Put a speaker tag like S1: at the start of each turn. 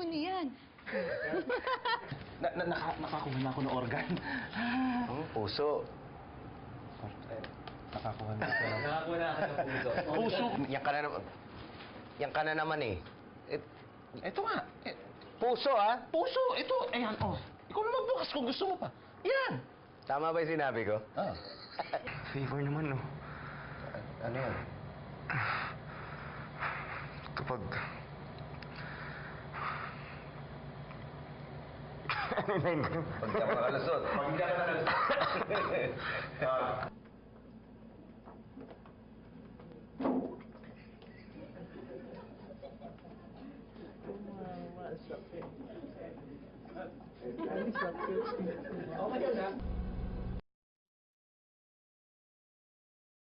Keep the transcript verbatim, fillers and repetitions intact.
S1: ano yan?
S2: na, na, naka, nakakuha na ako ng organ.
S3: Hmm, puso.
S2: Eh, nakakuha na ako ng...
S4: Nakakuha na ako ng puso.
S2: Puso!
S3: Yan ka na naman. Yan ka na naman eh. Eh,
S2: Ito nga. Eh,
S3: puso ah.
S2: puso! Ito! Ayan, oh. Ikaw na magbukas kung gusto mo pa. Yan!
S3: Tama ba yung sinabi ko?
S2: Ah.
S5: Favor naman, no?
S3: Ano yan?
S5: Kapag...
S3: Pag di ako nakalusot.
S4: Pag hindi ka nakalusot. Ah.
S6: Sakit. Sakit. Okay na.